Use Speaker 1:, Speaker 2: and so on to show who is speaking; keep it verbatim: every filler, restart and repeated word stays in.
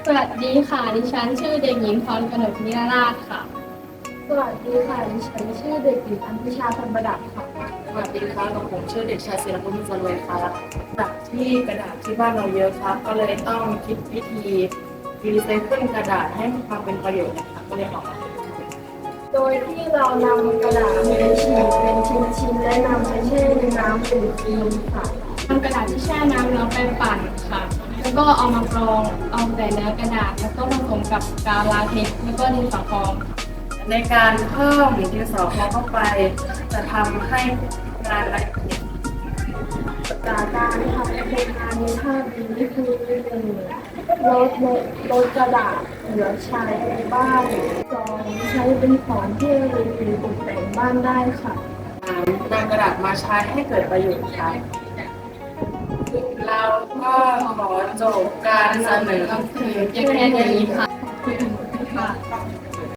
Speaker 1: สวัสดีค่ะ ดิฉันชื่อเด็กหญิงพรกนกนิรราชค่ะ
Speaker 2: สวัสดีค่ะดิฉันชื่อเด็กหญิงอัญชาพันประดับค่ะ
Speaker 3: สวัสดีครับกับผมชื่อเด็กชายศิลปุมิจันทร์เวยครับจากที่กระดาษที่บ้านเราเยอะครับก็เลยต้องคิดวิธีรีไซเคิลกระดาษให้มีความเป็นประโยชน์นะครับก็เลยออกมาเป็น
Speaker 2: โดยที่เรานำกระดาษไปฉีกเป็นชิ้นๆและนำไปแช่ในน้ำเป็นครีมค่ะ
Speaker 1: นำกระดาษที่แช่น้ำแล้วไปปั่นค่ะ แล้วก็เอามากรอง เอาแต่เนื้อกระดาษ แล้วก็ผสมกับกาวลาเท็กซ์แล้วก็ดินสอพองค่ะ
Speaker 3: ในการเพิ่มดินสอพองเข้าไปจะทำให้งานละเอียด
Speaker 2: จากการทำโครงการในภาพนี้คือหนึ่งลดลดลดกระดาษเหลือใช้ในบ้านสองใช้เป็นของที่ระลึกหรือตกแต่งบ้านได้ค่ะ
Speaker 3: นำกระดาษมาใช้ให้เกิดประโยชน์ครับเราก็ขอจบการเสนอ
Speaker 1: ก็คือเพียงแค่นี้ค่ะ